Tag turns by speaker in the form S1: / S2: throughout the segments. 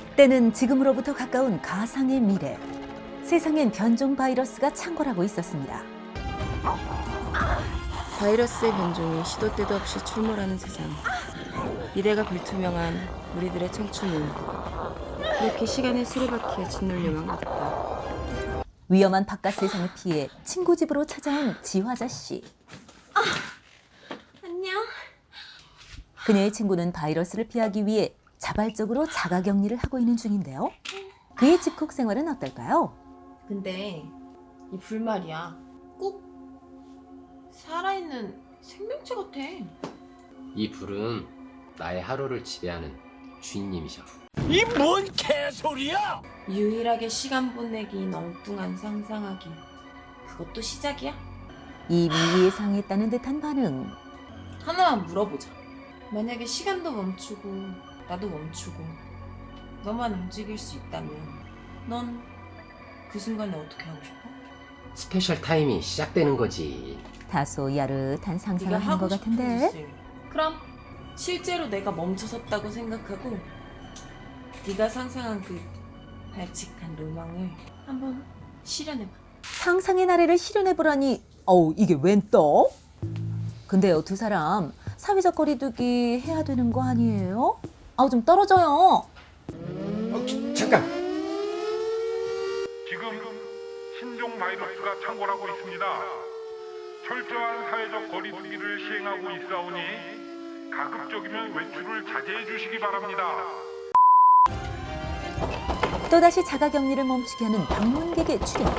S1: 때는 지금으로부터 가까운 가상의 미래. 세상엔 변종 바이러스가 창궐하고 있었습니다.
S2: 바이러스의 변종이 시도 때도 없이 출몰하는 세상. 미래가 불투명한 우리들의 청춘은 그렇게 시간의 수레바퀴에 짓눌려만 갔다.
S1: 위험한 바깥 세상을 피해 친구 집으로 찾아온 지화자 씨.
S2: 안녕.
S1: 그녀의 친구는 바이러스를 피하기 위해 자발적으로 자가격리를 하고 있는 중인데요. 그의 집콕 생활은 어떨까요?
S2: 근데 이 불 말이야. 꼭 살아있는 생명체 같아.
S3: 이 불은 나의 하루를 지배하는 주인님이셔.
S4: 이 뭔 개소리야!
S2: 유일하게 시간 보내기인 엉뚱한 상상하기. 그것도 시작이야?
S1: 이미 예상했다는 듯한 반응.
S2: 하나만 물어보자. 만약에 시간도 멈추고 나도 멈추고 너만 움직일 수 있다면 넌 그 순간에 어떻게 하고 싶어?
S3: 스페셜 타임이 시작되는 거지.
S1: 다소 야릇한
S2: 네가
S1: 상상을 한
S2: 하고
S1: 것
S2: 싶은
S1: 같은데.
S2: 짓을. 그럼 실제로 내가 멈춰섰다고 생각하고 네가 상상한 그 발칙한 로망을 한번 실현해봐.
S1: 상상의 나래를 실현해보라니. 어우, 이게 웬 떡? 근데요, 두 사람 사회적 거리두기 해야 되는 거 아니에요? 아우, 좀 떨어져요.
S3: 잠깐.
S5: 지금 신종 바이러스가 창궐하고 있습니다. 철저한 사회적 거리두기를 시행하고 있사오니 가급적이면 외출을 자제해 주시기 바랍니다.
S1: 또다시 자가격리를 멈추게 하는 방문객의 출현.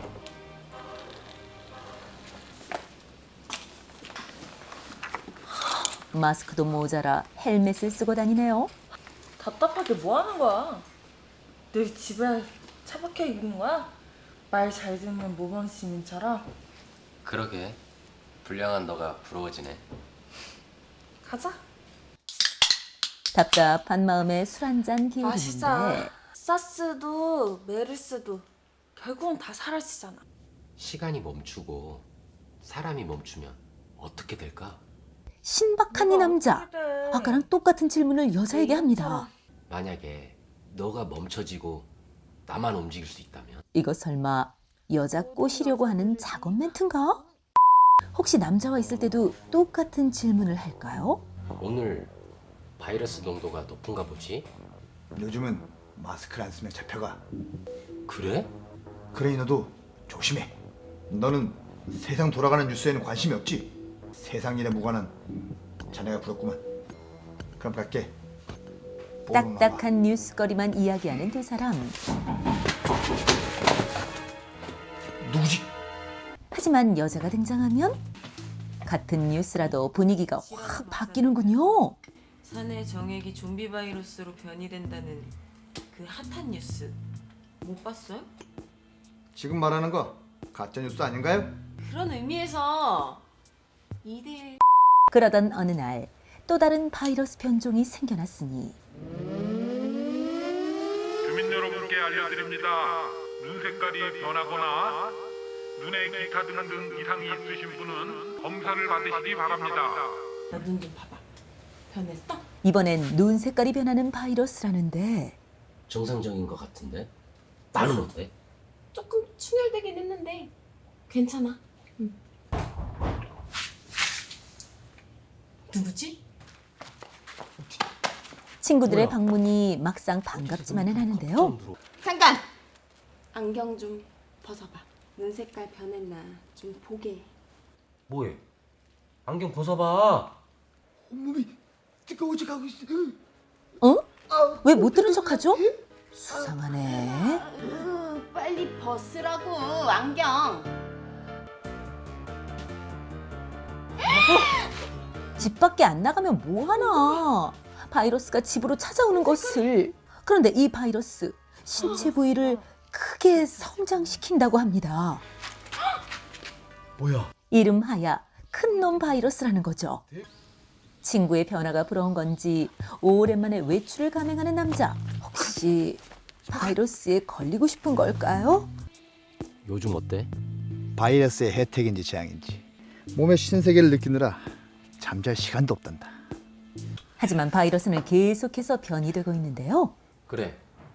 S1: 마스크도 모자라 헬멧을 쓰고 다니네요.
S2: 답답하게 뭐 하는 거야? 늘 집에 차박혀 있는 거야? 말 잘 듣는 모범 시민처럼?
S3: 그러게. 불량한 너가 부러워지네.
S2: 가자.
S1: 답답한 마음에 술 한 잔 기울이는데
S2: 사스도 메르스도 결국은 다 사라지잖아.
S3: 시간이 멈추고 사람이 멈추면 어떻게 될까?
S1: 신박한 이 남자. 아까랑 똑같은 질문을 여자에게 합니다.
S3: 만약에 너가 멈춰지고 나만 움직일 수 있다면?
S1: 이거 설마 여자 꼬시려고 하는 작업 멘트인가? 혹시 남자와 있을 때도 똑같은 질문을 할까요?
S3: 오늘 바이러스 농도가 높은가 보지?
S6: 요즘은 마스크를 안 쓰면 잡혀가.
S3: 그래?
S6: 그러니 너도 조심해. 너는 세상 돌아가는 뉴스에는 관심이 없지. 세상 일에 무관한 자네가 부럽구만. 그럼 갈게.
S1: 딱딱한 뉴스거리만 이야기하는 두 사람.
S6: 누구지?
S1: 하지만 여자가 등장하면 같은 뉴스라도 분위기가 확 바뀌는군요.
S2: 사내 정액이 좀비 바이러스로 변이된다는 그 핫한 뉴스 못 봤어요?
S6: 지금 말하는 거 가짜 뉴스 아닌가요?
S2: 그런 의미에서 2대1
S1: 그러던 어느 날 또 다른 바이러스 변종이 생겨났으니
S5: 주민 여러분께 알려드립니다. 눈 색깔이 변하거나 눈에 기타 등 이상이 있으신 분은 검사를 받으시기 바랍니다.
S2: 나 눈 좀 봐봐. 변했어?
S1: 이번엔 눈 색깔이 변하는 바이러스라는데
S3: 정상적인 것 같은데? 나는 어때?
S2: 조금 충혈되긴 했는데 괜찮아. 누구지?
S1: 친구들의
S3: 뭐야?
S1: 방문이 막상 반갑지만은 않은데요.
S2: 잠깐! 안경 좀 벗어봐. 눈 색깔 변했나 좀 보게.
S3: 뭐해? 안경 벗어봐.
S6: 온몸이 뜨거워져 가고 있어.
S1: 어? 왜 못 들은 척하죠? 수상하네.
S2: 빨리 벗으라고 안경.
S1: 집 밖에 안 나가면 뭐하나. 바이러스가 집으로 찾아오는 것을. 그런데 이 바이러스 신체 부위를 크게 성장시킨다고 합니다.
S6: 뭐야?
S1: 이름하야 큰놈 바이러스라는 거죠. 친구의 변화가 부러운 건지 오랜만에 외출을 감행하는 남자. 혹시 바이러스에 걸리고 싶은 걸까요?
S3: 요즘 어때?
S6: 바이러스의 혜택인지 재앙인지 몸의 신세계를 느끼느라 잠잘 시간도 없단다.
S1: 하지만 바이러스는 계속해서 변이되고 있는데요.
S3: 그래.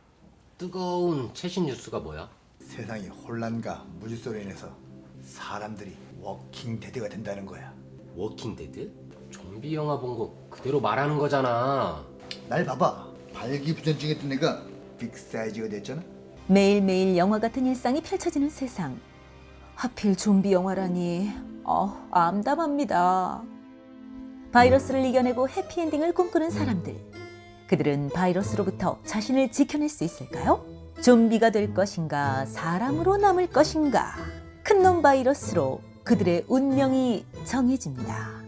S3: 뜨거운 최신 뉴스가 뭐야?
S6: 세상이 혼란과 무질서로 인해서 사람들이 워킹 데드가 된다는 거야.
S3: 워킹 데드? 좀비 영화 본 거 그대로 말하는 거잖아.
S6: 날 봐봐. 발기부전증했던 내가 빅사이즈가 됐잖아.
S1: 매일매일 영화 같은 일상이 펼쳐지는 세상. 하필 좀비 영화라니 암담합니다. 바이러스를 이겨내고 해피엔딩을 꿈꾸는 사람들. 그들은 바이러스로부터 자신을 지켜낼 수 있을까요? 좀비가 될 것인가, 사람으로 남을 것인가. 큰 놈 바이러스로 그들의 운명이 정해집니다.